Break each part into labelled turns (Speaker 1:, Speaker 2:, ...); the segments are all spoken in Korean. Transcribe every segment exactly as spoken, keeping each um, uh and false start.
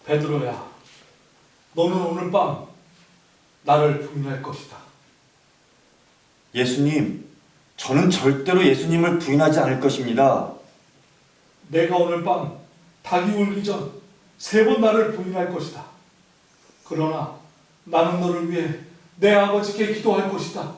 Speaker 1: 베드로야, 너는 오늘 밤 나를 부인할 것이다.
Speaker 2: 예수님, 저는 절대로 예수님을 부인하지 않을 것입니다.
Speaker 1: 내가 오늘 밤 닭이 울기 전 세 번 나를 부인할 것이다. 그러나 나는 너를 위해 내 아버지께 기도할 것이다.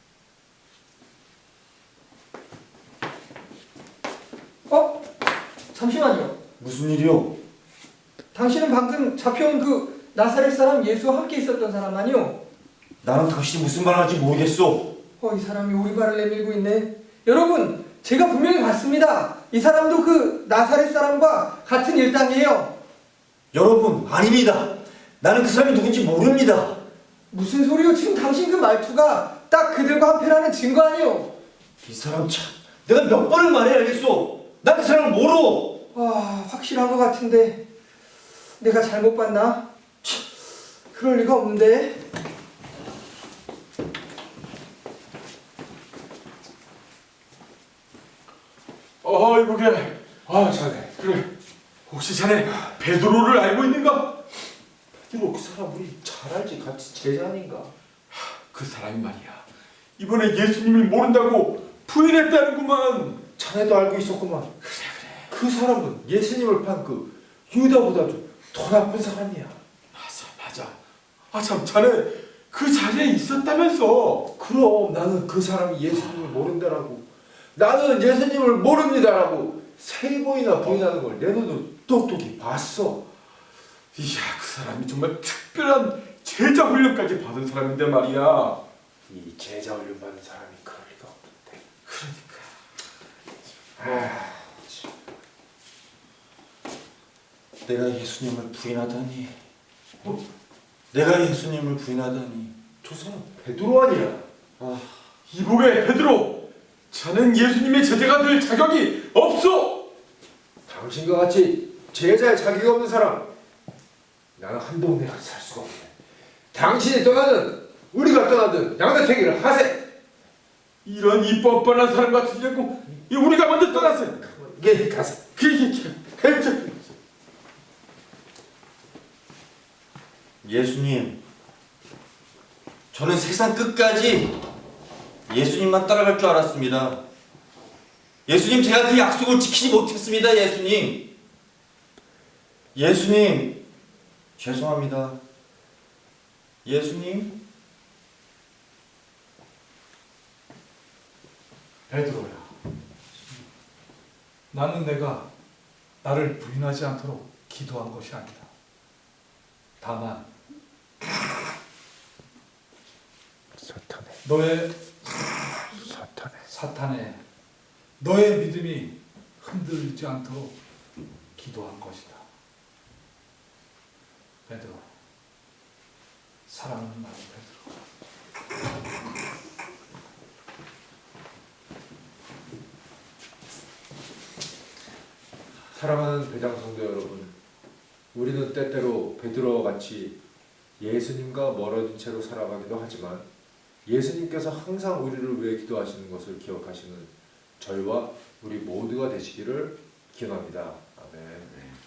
Speaker 3: 어? 잠시만요.
Speaker 2: 무슨 일이요?
Speaker 3: 당신은 방금 잡혀온 그 나사렛 사람 예수와 함께 있었던 사람 아니요?
Speaker 2: 나는 당신이 무슨 말을 하는지 모르겠소.
Speaker 3: 어, 이 사람이 오리발을 내밀고 있네. 여러분, 제가 분명히 봤습니다. 이 사람도 그 나사렛 사람과 같은 일당이에요.
Speaker 2: 여러분, 아닙니다. 나는 그 사람이 누군지 모릅니다.
Speaker 3: 무슨 소리요? 지금 당신 그 말투가 딱 그들과 한패라는 증거 아니요?
Speaker 2: 이 사람 참, 내가 몇 번을 말해야 알겠소. 난 그 사람을 모르.
Speaker 3: 아, 확실한 것 같은데 내가 잘못 봤나? 참, 그럴 리가 없는데.
Speaker 4: 어, 이보게. 아, 자네. 그래. 혹시 자네 베드로를 알고 있는가?
Speaker 5: 베드로 그 사람 우리 잘 알지. 같이 제자 아닌가?
Speaker 4: 그 사람이 말이야. 이번에 예수님을 모른다고 부인했다는구만.
Speaker 5: 자네도 알고 있었구만. 그래 그래. 그 사람은 예수님을 판 그 유다보다도 더 나쁜 사람이야.
Speaker 4: 맞아, 맞아. 아, 참, 자네 그 자리에 있었다면서.
Speaker 5: 그럼 나는 그 사람이 예수님을 모른다라고, 나는 예수님을 모릅니다라고 세 번이나 부인하는 걸 내 눈으로 똑똑히 봤어.
Speaker 4: 이야, 그 사람이 정말 특별한 제자 훈련까지 받은 사람인데 말이야.
Speaker 5: 이 제자 훈련 받은 사람이 그럴 리가 없는데.
Speaker 4: 그러니까.
Speaker 5: 아,
Speaker 2: 내가 예수님을 부인하다니. 어? 내가 예수님을 부인하다니.
Speaker 5: 저 사람 베드로 아니야?
Speaker 2: 아,
Speaker 4: 이보게, 베드로. 자넨 예수님의 제자가 될 자격이 없어.
Speaker 5: 당신과 같이 제자의 자격이 없는 사람, 나는 한 동네 같이 살 수가 없네. 당신이 떠나든 우리가 떠나든 양다택일을 하세.
Speaker 4: 이런 이 뻔뻔한 사람 같으냐고. 이 우리가 먼저 떠났어요.
Speaker 5: 예, 가세.
Speaker 4: 그게 괜찮.
Speaker 2: 예수님, 저는 세상 끝까지 예수님만 따라갈 줄 알았습니다. 예수님, 제가 그 약속을 지키지 못했습니다. 예수님, 예수님, 죄송합니다. 예수님.
Speaker 1: 베드로야, 나는 내가 나를 부인하지 않도록 기도한 것이 아니다. 다만
Speaker 5: 사탄의
Speaker 1: 너의
Speaker 5: 사탄의
Speaker 1: 사탄의 너의 믿음이 흔들리지 않도록 기도한 것이다. 베드로, 사랑하는 나의 베드로.
Speaker 5: 사랑하는 배장 성도 여러분, 우리는 때때로 베드로와 같이 예수님과 멀어진 채로 살아가기도 하지만 예수님께서 항상 우리를 위해 기도하시는 것을 기억하시는 저희와 우리 모두가 되시기를 기원합니다. 아멘.